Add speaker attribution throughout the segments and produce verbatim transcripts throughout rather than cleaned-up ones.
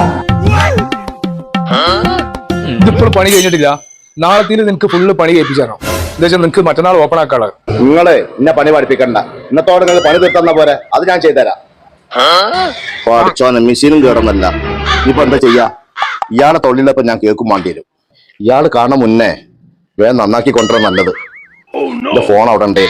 Speaker 1: ഇതിപ്പോൾ പണി കഴിഞ്ഞിട്ടില്ല. നാളത്തിന് നിനക്ക് ഫുള്ള് പണി കേൾപ്പിച്ചാണോ? എന്താ വെച്ചാൽ നിനക്ക് മറ്റന്നാൾ ഓപ്പൺ ആക്കാള്.
Speaker 2: നിങ്ങള് എന്നെ പണി പഠിപ്പിക്കണ്ട. ഇന്നത്തോടെ നിങ്ങൾ പണി തീർത്തന്ന പോരെ, അത് ഞാൻ ചെയ്തുതരാം. പഠിച്ചോനെ മെഷീനും കേടുന്നല്ല. ഇപ്പൊ എന്താ ചെയ്യാ? ഇയാളെ തൊഴിലിലപ്പോ ഞാൻ കേൾക്കും വേണ്ടി വരും. ഇയാള് കാണാൻ മുന്നേ വേഗം നന്നാക്കി കൊണ്ടുവരാൻ നല്ലത്. എന്റെ ഫോൺ അവിടെ ഉണ്ടേ.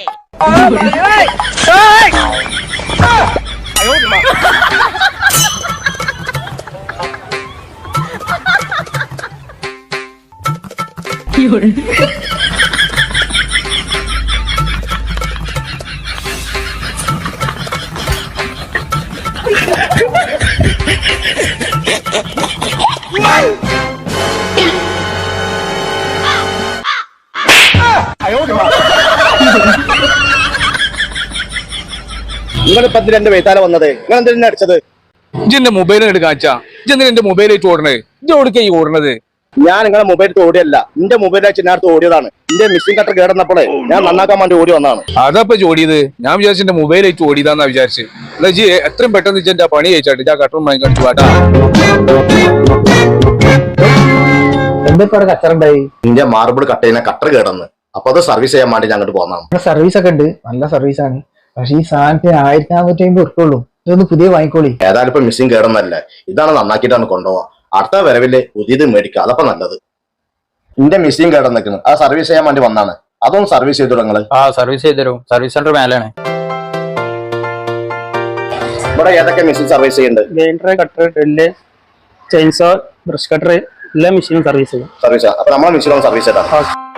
Speaker 2: നിങ്ങളിപ്പോ എന്റെ വെയ്ത്താല വന്നത്? നിങ്ങൾ എന്തിനാ അടിച്ചത്?
Speaker 1: ഇജെന്റെ മൊബൈൽ എടുക്കാച്ചാ. ഇജെന്തിനാ എന്റെ മൊബൈലായിട്ട് ഓടണത്? ഇജ് ഓടിക്കാ ഈ ഓടണത്?
Speaker 2: ഞാൻ നിങ്ങളെ മൊബൈൽ ഓടിയല്ല, എന്റെ മൊബൈൽ വെച്ച് ഞാൻ ഓടിയതാണ്. എന്റെ മിസ്സിംഗ് കട്ടർ കേടന്നപ്പോഴേ ഞാൻ നന്നാക്കാൻ വേണ്ടി ഓടി വന്നതാണ്.
Speaker 1: അതപ്പൊ ഓടിയത്? ഞാൻ വിചാരിച്ചു എന്റെ മൊബൈലായിട്ട് ഓടിയതാന്നാ വിചാരിച്ചു. അല്ല ജി എത്രയും പെട്ടെന്ന് ഇജെന്റെ പണി കഴിച്ചാട്ട് ഞാൻ കട്ടറും വാങ്ങി കാണിച്ചു വാട്ടാ.
Speaker 3: എന്തൊക്കെ കച്ചറുണ്ടായി?
Speaker 2: എന്റെ മാർബിൾ കട്ട് ചെയ്യുന്ന കട്ടർ കേടന്ന്, അപ്പൊ അത് സർവീസ് ചെയ്യാൻ വേണ്ടി ഞങ്ങോട്ട് പോന്നതാണ്.
Speaker 3: സർവീസ് ഒക്കെ ഉണ്ട്, നല്ല സർവീസാണ്. പക്ഷെ ഈ സാധനത്തിന് ആയിരത്തി നാനൂറ്റി അമ്പത് ഉറുപ്പുള്ളൂ. ഇതൊന്ന് പുതിയ വാങ്ങിക്കോളി.
Speaker 2: ഏതായാലും ഇപ്പൊ മിസ്സിംഗ് കേടന്നല്ലേ, ഇതാണ് നന്നാക്കിയിട്ടാണ് കൊണ്ടുപോവാ. അടുത്ത വരവില് പുതിയത് മേടിക്കുക, അതപ്പോ നല്ലത്. എന്റെ മിസ്സിംഗ് കേടന്ന് നിൽക്കുന്നത്, അത് സർവീസ് ചെയ്യാൻ വേണ്ടി വന്നാണ്. അതൊന്ന് സർവീസ് ചെയ്തു നിങ്ങള്.
Speaker 4: ആ സർവീസ് ചെയ്തു. സർവീസ് സെന്റർ മേലാണ്.
Speaker 2: ഇവിടെ ഏതൊക്കെ മെഷീൻ സർവീസ് ചെയ്യുന്നുണ്ട്?
Speaker 5: Grinder, cutter, drill, chainsaw, brush cutter എല്ലാ മെഷീനും സർവീസ് ചെയ്യും.
Speaker 2: സർവീസ് അപ്പൊ നമ്മളെ മെഷീനും സർവീസ് ചെയ്താൽ